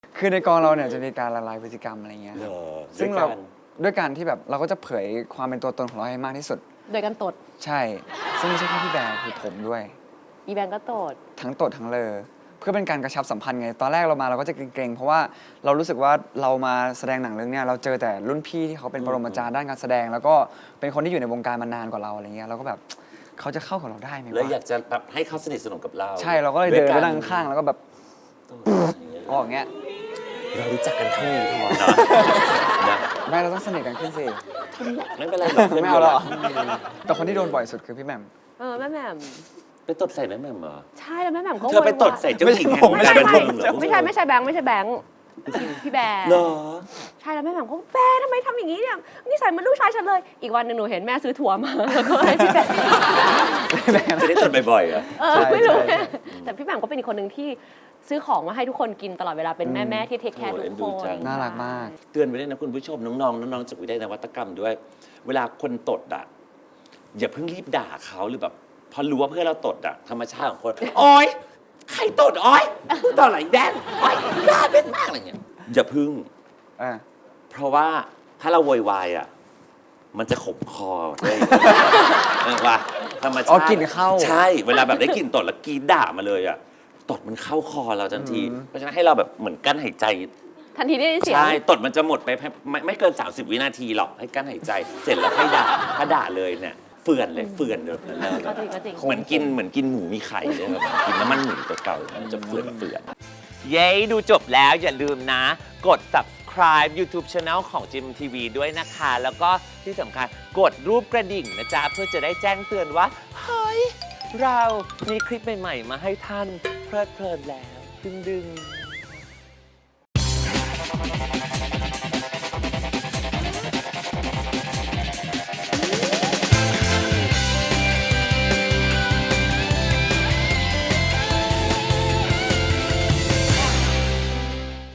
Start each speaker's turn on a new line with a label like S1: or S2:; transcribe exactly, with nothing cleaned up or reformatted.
S1: คือในกองเราเนี่ยจะมีการละลายพฤติกรรมอะไรเงี้ยซึ่งเราด้วยการที่แบบเราก็จะเผยความเป็นตัวตนของเราให้มากที่สุด
S2: โดยการตด
S1: ใช่ซึ่งไม่ใช่แค่พี่แบร์คือผมด้วย
S2: อีแบงก็ตด
S1: ทั้งตดทั้งเลอเพื่อเป็นการกระชับสัมพันธ์ไงตอนแรกเรามาเราก็จะเกรงๆเพราะว่าเรารู้สึกว่าเรามาแสดงหนังเรื่องนี้เราเจอแต่รุ่นพี่ที่เขาเป็นปรมาจารย์ด้านการแสดงแล้วก็เป็นคนที่อยู่ในวงการมานานกว่าเราอะไรเงี้ยเราก็แบบเขาจะเข้ากับเราได้ไหมวะ
S3: แล้วอยากจะแบบให้เขาสนิทสนมกับเรา
S1: ใช่เราก็เลยเดินไปนั่งข้างแล้วก็แบบออกเงี้ย
S3: เรารู้จักกันเท่านี้พอเนาะนะ
S1: ไม่เราต้องสนิทกันขึ้นสิ
S3: ไม่เป็นไรหรอก
S1: ไม่เอาหรอกแต่คนที่โดนบ่อยสุดคือพี่แหม่ม
S2: เออแม่แหม่ม
S3: ไปตดใส่แม่แหม่มเหรอ
S2: ใช่แล้วแม่แหม่มก็
S3: เธอไปตดใส่เจ้าหญิงแห่งการบันเทิงเหรอ
S2: ไม่ใช่ไม่ใช่แบงค์ไม่ใช่แบงค์พี่แบร์
S3: เหรอ
S2: ใช่แล้วแม่แหม่มก็แบร์ทำไมทำอย่างนี้เนี่ยนี่ใส่มันลูกชายฉันเลยอีกวันหนึ่งหนูเห็นแม่ซื้อถั่วมาแล้วก็ให้พี่แบร์
S3: จะได้ตดบ่อยๆเหรอ
S2: เออไม่รู้แต่พี่แหม่มก็เป็นอีกคนหนึ่งที่ซื้อของมาให้ทุกคนกินตลอดเวลาเป็นแม่แม่ที่เทคแคร์ทุกคน
S1: น่ารักมาก
S3: เตือนไว้ด้วยนะคุณผู้ชมน้องๆน้องๆจากวิทยาลัยนวัตกรรมด้วยเวลาคนตดอ่ะอย่าเพิ่งรีบด่าเขาหรือแบบพอรู้ว่าเพื่อนเราตดอ่ะธรรมชาติของคนโอ๊ยใครตดโอ๊ยตดไหลแดงโอ๊ยด่าเป็นมากอะไรเงี้ยอย่าพึ่งเพราะว่าถ้าเราโวยวายอ่ะมันจะขมคอเลยว่าธรรมชาติ
S1: อ๋อกลิ่นเข้า
S3: ใช่เวลาแบบได้กลิ่นตดแล้วกรีดด่ามาเลยอ่ะตดมันเข้าคอเราทันทีเพราะฉะนั้นให้เราแบบเหมือนกั้นหายใจ
S2: ทันทีได้ยินเสียง
S3: ใช่ตดมันจะหมดไปไม่ไม่เกินสามสิบวินาทีหรอกให้กั้นหายใจเสร็จแล้วให้ด่าถ้าด่าเลยเนี่ยเฟื่อนเลยเฟื่อนเลยเหมือนกินเหมือนกินหมูมีไข่เลยแบบกินน้ำมันหมูเก่าๆมันจะเฟื่อนเฟื่อนเย้ดูจบแล้วอย่าลืมนะกด subscribe YouTube Channel ของ จี เอ็ม ที วี ด้วยนะคะแล้วก็ที่สำคัญกดรูปกระดิ่งนะจ๊ะเพื่อจะได้แจ้งเตือนว่าเฮ้ยเรามีคลิปใหม่ๆมาให้ท่านเพลิดเพลินแล้วดึงๆ